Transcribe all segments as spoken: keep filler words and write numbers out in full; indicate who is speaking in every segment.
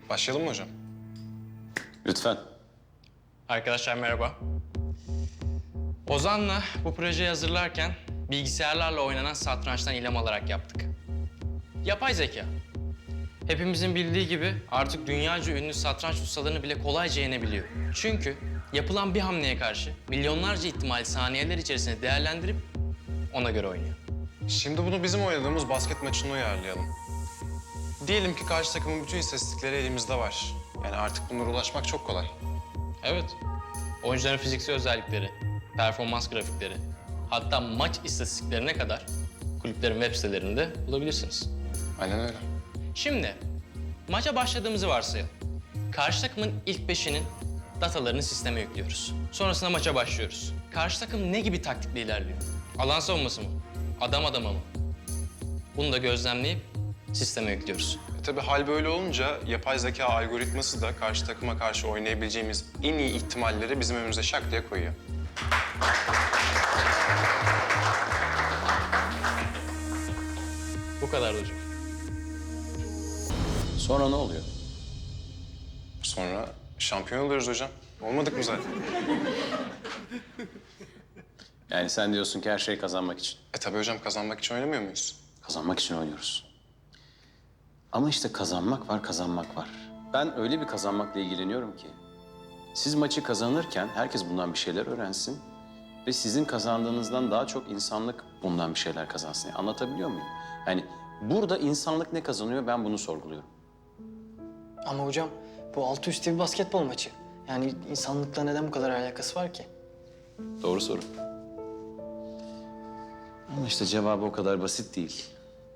Speaker 1: Başlayalım mı hocam?
Speaker 2: Lütfen.
Speaker 3: Arkadaşlar merhaba. Ozan'la bu projeyi hazırlarken bilgisayarlarla oynanan satrançtan ilham alarak yaptık. Yapay zeka. Hepimizin bildiği gibi artık dünyaca ünlü satranç ustalarını bile kolayca yenebiliyor. Çünkü yapılan bir hamleye karşı milyonlarca ihtimali saniyeler içerisinde değerlendirip ona göre oynuyor.
Speaker 1: Şimdi bunu bizim oynadığımız basket maçına uyarlayalım. Diyelim ki karşı takımın bütün istatistikleri elimizde var. Yani artık bunlara ulaşmak çok kolay.
Speaker 3: Evet. Oyuncuların fiziksel özellikleri, performans grafikleri, hatta maç istatistiklerine kadar kulüplerin web sitelerinde bulabilirsiniz.
Speaker 1: Aynen öyle.
Speaker 3: Şimdi maça başladığımızı varsayalım. Karşı takımın ilk beşinin datalarını sisteme yüklüyoruz. Sonrasında maça başlıyoruz. Karşı takım ne gibi taktikle ilerliyor? Alan savunması mı? Adam adama mı? Bunu da gözlemleyip sisteme yüklüyoruz.
Speaker 1: E tabii hal böyle olunca yapay zeka algoritması da karşı takıma karşı oynayabileceğimiz en iyi ihtimalleri bizim önümüze şak diye koyuyor.
Speaker 3: Bu kadar hocam.
Speaker 2: Sonra ne oluyor?
Speaker 1: Sonra şampiyon oluruz hocam. Olmadık mı zaten?
Speaker 2: Yani sen diyorsun ki her şey kazanmak için.
Speaker 1: E tabii hocam, kazanmak için oynamıyor muyuz?
Speaker 2: Kazanmak için oynuyoruz. Ama işte kazanmak var, kazanmak var. Ben öyle bir kazanmakla ilgileniyorum ki... siz maçı kazanırken herkes bundan bir şeyler öğrensin... ve sizin kazandığınızdan daha çok insanlık bundan bir şeyler kazansın. Yani anlatabiliyor muyum? Yani burada insanlık ne kazanıyor, ben bunu sorguluyorum.
Speaker 4: Ama hocam bu altı üstü bir basketbol maçı. Yani insanlıkla neden bu kadar alakası var ki?
Speaker 2: Doğru soru. Ama işte cevabı o kadar basit değil.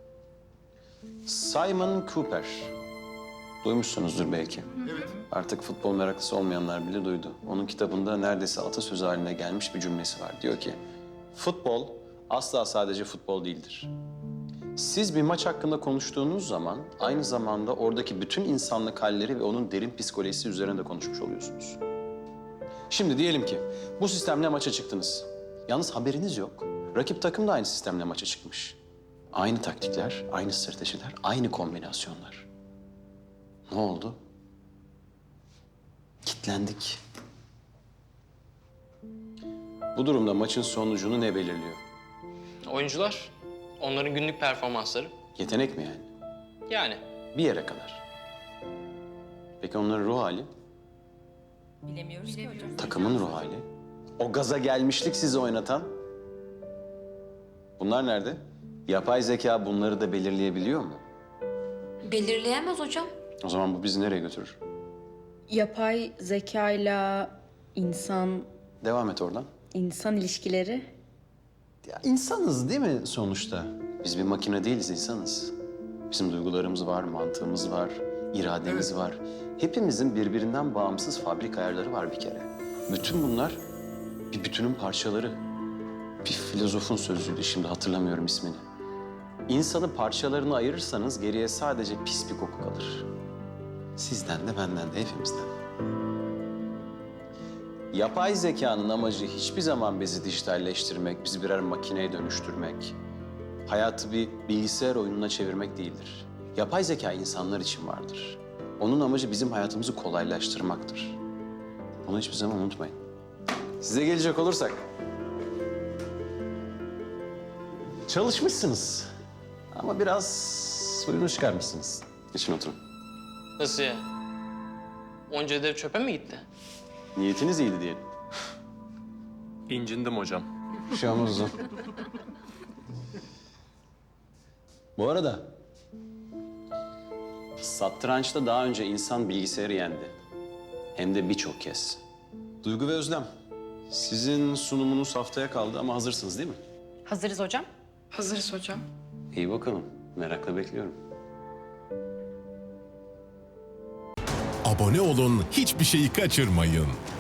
Speaker 2: Simon Cooper. Duymuşsunuzdur belki. Evet. Artık futbol meraklısı olmayanlar bile duydu. Onun kitabında neredeyse atasözü haline gelmiş bir cümlesi var. Diyor ki, futbol asla sadece futbol değildir. Siz bir maç hakkında konuştuğunuz zaman aynı zamanda oradaki bütün insanlık halleri ve onun derin psikolojisi üzerine de konuşmuş oluyorsunuz. Şimdi diyelim ki bu sistemle maça çıktınız. Yalnız haberiniz yok. Rakip takım da aynı sistemle maça çıkmış. Aynı taktikler, aynı stratejiler, aynı kombinasyonlar. Ne oldu? Kitlendik. Bu durumda maçın sonucunu ne belirliyor?
Speaker 3: Oyuncular, onların günlük performansları.
Speaker 2: Yetenek mi yani?
Speaker 3: Yani
Speaker 2: Bir yere kadar. Peki onların ruh hali?
Speaker 5: Bilemiyoruz ki hocam.
Speaker 2: Takımın ruh hali? O gaza gelmişlik sizi oynatan? Bunlar nerede? Yapay zeka bunları da belirleyebiliyor mu?
Speaker 5: Belirleyemez hocam.
Speaker 2: O zaman bu bizi nereye götürür?
Speaker 6: Yapay zekayla insan
Speaker 2: Devam et oradan.
Speaker 6: insan ilişkileri.
Speaker 2: Ya insanız değil mi sonuçta? Biz bir makine değiliz, insanız. Bizim duygularımız var, mantığımız var, irademiz var. Hepimizin birbirinden bağımsız fabrik ayarları var bir kere. Bütün bunlar bir bütünün parçaları. Bir filozofun sözüydü, şimdi hatırlamıyorum ismini. İnsanı parçalarına ayırırsanız geriye sadece pis bir koku kalır. Sizden de benden de hepimizden. Yapay zekanın amacı hiçbir zaman bizi dijitalleştirmek, bizi birer makineye dönüştürmek, hayatı bir bilgisayar oyununa çevirmek değildir. Yapay zeka insanlar için vardır. Onun amacı bizim hayatımızı kolaylaştırmaktır. Bunu hiçbir zaman unutmayın. Size gelecek olursak... çalışmışsınız. Ama biraz suyunu çıkarmışsınız. Geçin oturun.
Speaker 3: nasıl ya? Onca ödev çöpe mi gitti?
Speaker 2: Niyetiniz iyiydi diyelim.
Speaker 1: İncindim hocam.
Speaker 2: Bir şey olmaz o zaman. Bu arada... satrançta daha önce insan bilgisayarı yendi. Hem de birçok kez. Duygu ve Özlem, sizin sunumunuz haftaya kaldı ama hazırsınız değil mi?
Speaker 6: Hazırız hocam.
Speaker 7: Hazırız hocam.
Speaker 2: İyi bakalım. Merakla bekliyorum.
Speaker 8: Abone olun, hiçbir şeyi kaçırmayın.